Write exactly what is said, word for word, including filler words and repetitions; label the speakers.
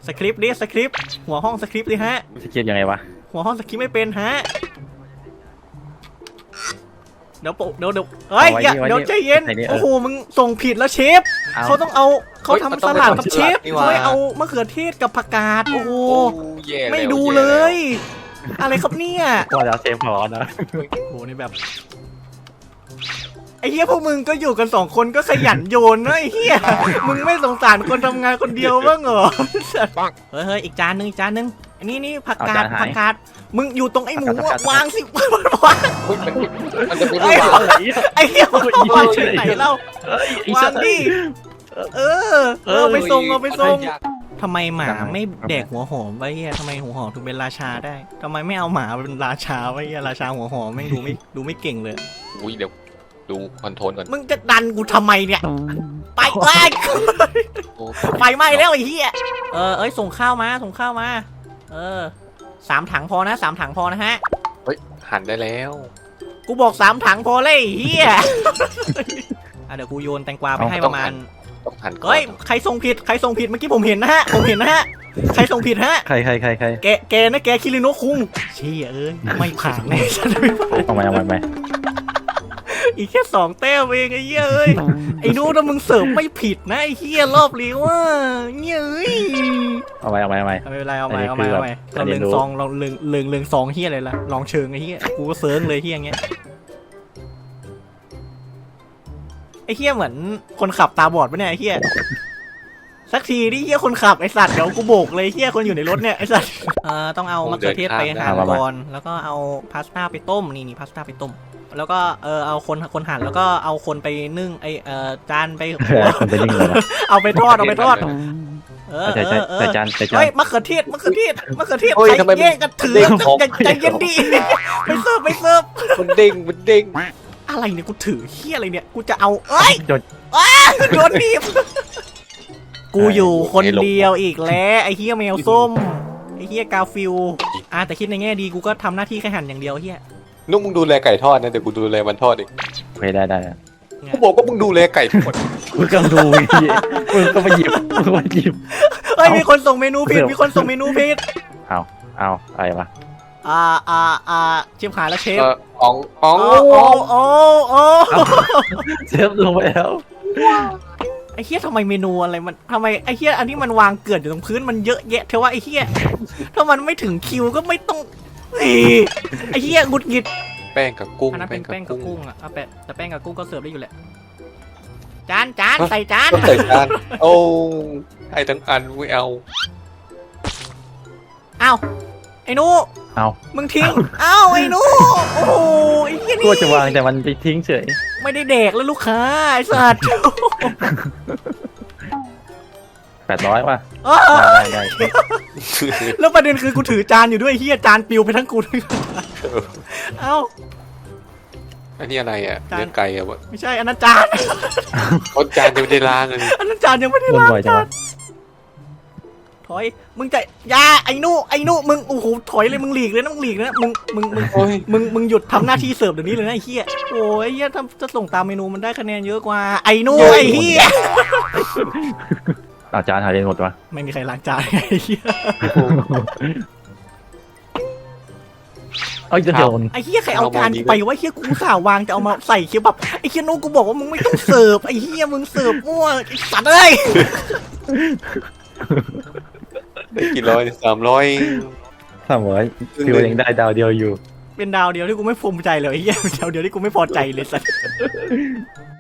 Speaker 1: สคริปต์ดิสคริปต์หัวห้องสคริปต์ดิฮะ
Speaker 2: สคริปต์ยังไงวะ
Speaker 1: หัวห้องสคริปต์ไม่เป็นฮะเดี๋ยวเดี๋ยวเดี๋ยวเฮ้ยอย่าเดี๋ยวใจเย็นโอ้โหมึงส่งผิดแล้วเชฟเขาต้องเอาเขาทำสลัดกับเชฟเขาไม่เอามะเขือเทศกับผักกาดโอ้โหไม่ดูเลยอะไรครับเนี่ย
Speaker 2: ว่าจะเชฟพอนะ
Speaker 1: โอ้โหนี่แบบไอ้เฮียพวกมึงก็อยู่กันสองคนก็ขยันโยนนะไอ้เฮียมึงไม่สงสารคนทำงานคนเดียวบ้างเหรอเฮ้ยเฮ้ยอีกจานนึงอีกจานนึงอันนี้นี่ผักกาดผักกาดมึงอยู่ตรงไอ้หมูวางสิวาง
Speaker 3: มันจะไม่วาง
Speaker 1: ไอ้เฮียวางที่ไหนเล่าวางดิเออเออไปส่งเอาไปส่งทำไมหมาไม่แดกหัวหอมไว้เฮียทำไมหัวหอมถึงเป็นราชาได้ทำไมไม่เอาหมาเป็นราชาไว้เฮียราชาหัวหอมไม่ดูไม่ดูไม่เก่งเลย
Speaker 3: อุ้ยเดี๋ยวดูคอนโทรลก่อน
Speaker 1: มึงจะดันกูทำไมเนี่ยไปไล่ไฟไหม้แล้วไอ้เฮียเออเอ้ยส่งข้าวมาส่งข้าวมาเออสามถังพอนะสามถังพอนะฮะ
Speaker 3: เฮ้ยหั่นได้แล้ว
Speaker 1: กูบอกสามถังพอเลยเฮียเดี๋ยวกูโยนแตงกวาไปให้ประมาณ
Speaker 3: ต้องหั่น
Speaker 1: เฮ้ยใครส่งผิดใครส่งผิดเมื่อกี้ผมเห็นนะฮะผมเห็นนะฮะใครส่งผิดฮะ
Speaker 2: ใครใครใครใคร
Speaker 1: แกแกนะแกคิริโนะคุงเชี่ยเอ้ยไม่ผ่านแน่ฉันไม่ผ่าน
Speaker 2: เอาไปเอาไป
Speaker 1: อีกแค่สองแต้มเองไอ้เหี้ยเอ้ยไอ้นู้นมึงเสิร์ฟไม่ผิดนะไอ้เหี้ยรอบเลี้ยวอ่ะเงี้ยเอ้ย
Speaker 2: เอาไปเอาไปเอาไป
Speaker 1: ไม่เป็นไรเอาไปเอาไปเอาไปเราเลืองซองเราเลืองเลืองเลืองซองเหี้ยอะไรล่ะลองเชิงไอ้เหี้ยกูก็เซิร์งเลยเหี้ยเงี้ยไอ้เหี้ยเหมือนคนขับตาบอดปะเนี่ยไอ้เหี้ยสักทีดิเหี้ยคนขับไอ้สัตว์เดี๋ยวกูโบกเลยเหี้ยคนอยู่ในรถเนี่ยไอ้สัตว์เอ่อต้องเอามะเขือเทศไปหั่นก่อนแล้วก็เอาพาสต้าไปต้มนี่นี่พาสต้าไปต้มแล้วก็เออเอาคนคนหั่นแล้วก็เอาคนไปนึ่งไอเออจานไปเอาไปทอดเอาไปทอดเออเออเออ
Speaker 2: จานจาน
Speaker 1: เฮ้ยมะเขือเทศมะเขือเทศมะเขือเทศใครแย่งกันถือใจเย็นดิไปเสิร์ฟไปเสิร์ฟ
Speaker 3: มันเด้งมันเด้ง
Speaker 1: อะไรเนี่ยกูถือเฮียอะไรเนี่ยกูจะเอาเอ้ยโดนอ้าโดนบีบกูอยู่คนเดียวอีกแล้วไอเฮียแมวส้มไอเฮียกาฟิลอ่ะแต่คิดในแง่ดีกูก็ทำหน้าที่แค่หั่นอย่างเดียวเฮีย
Speaker 3: นุ่มมึงดูแลไก่ทอดนะเดี๋ยวกูดูแลมันทอดเอง
Speaker 2: โอเคได้ได้
Speaker 3: กูบอกว่ามึงดูแลไก่ทอด
Speaker 2: มึงก็ดูมึงก็มาหยิบมึงมาหยิบ
Speaker 1: เฮ้ยมีคนส่งเมนูผิดมีคนส่งเมนูผิด
Speaker 2: เอาเอาอะไรวะ
Speaker 1: อ่าอ่าอ่าเชฟขาแล้วเชฟ
Speaker 3: อ๋องอ๋อง
Speaker 1: โอ้โอ้โอ้
Speaker 2: เชฟลงไปแล้ว
Speaker 1: ไอ้เหี้ยทำไมเมนูอะไรมันทำไมไอ้เหี้ยอันที่มันวางเกลื่อนอยู่ตรงพื้นมันเยอะแยะเทว่าไอ้เหี้ยถ้ามันไม่ถึงคิวก็ไม่ต้องไอ้เหี้ยงุดหงิด
Speaker 3: แป้งกับกุ้ง
Speaker 1: อันนั้นเป็นแป้งกับกุ้งอ่ะเอาแปะแต่แป้งกับกุ้งก็เสิร์ฟได้อยู่แหละจานจานใส่จาน
Speaker 3: ใส่จานโอ้ให้ทั้งอันไม่เอา
Speaker 1: อ้าวไอ้นู
Speaker 2: เอา
Speaker 1: มึงทิ้งอ้าวไอ้นูโอ้ยไอ้เหี้ยนี่
Speaker 2: กูจะวางแต่มันไปทิ้งเฉย
Speaker 1: ไม่ได้แดกแล้วลูกค้าไอ้สัตว์
Speaker 2: แปดร้อยป่ะได้ได้
Speaker 1: แล้วประเด็นคือกูถือจานอยู่ด้วยเฮียจานปิวไปทั้งกูเลยเอ้า
Speaker 3: อันนี้อะไรอ่ะเนื้อไก่อ่ะวะ
Speaker 1: ไม่ใช่อันนั้นจาน
Speaker 3: คนจานยังไม่ได้ล้างเลย
Speaker 1: อันนั้นจานยังไม่ได้ล้างจานถอยมึงจะยาไอ้นู่ไอ้นู่มึงโอ้โหถอยเลยมึงหลีกเลยนะมึงหลีกเลยนะมึงมึงมึงมึงมึงหยุดทำหน้าที่เสิร์ฟเดี๋ยวนี้เลยนะไอ้เฮียโอ้ยเฮียถ้าจะส่งตามเมนูมันได้คะแนนเยอะกว่าไอ้นู่ไอ้เฮีย
Speaker 2: อาจารย์หายไปหมดวะ
Speaker 1: ไม่มีใครล้างจานไอ้เหี้ย
Speaker 2: เอ้ยจะโดน
Speaker 1: ไอ้เหี้ยใครเอาจานไปวะเหี้ยกูสาววางจะเอามาใส่เคี้ยวแบบไอ้เหี้ยนู้กูบอกว่ามึงไม่ต้องเสิร์ฟไอ้เหี้ยมึงเสิร์ฟมั่วไอ้สัตว์เอ้ย
Speaker 3: ได้กี่ร้อยสามร้อย
Speaker 2: สามร้อยคือยังได้ดาวเดียวอยู่
Speaker 1: เป็นดาวเดียวที่กูไม่ภูมิใจเลยไอ้เหี้ยดาวเดียวที่กูไม่พอใจเลยสัตว์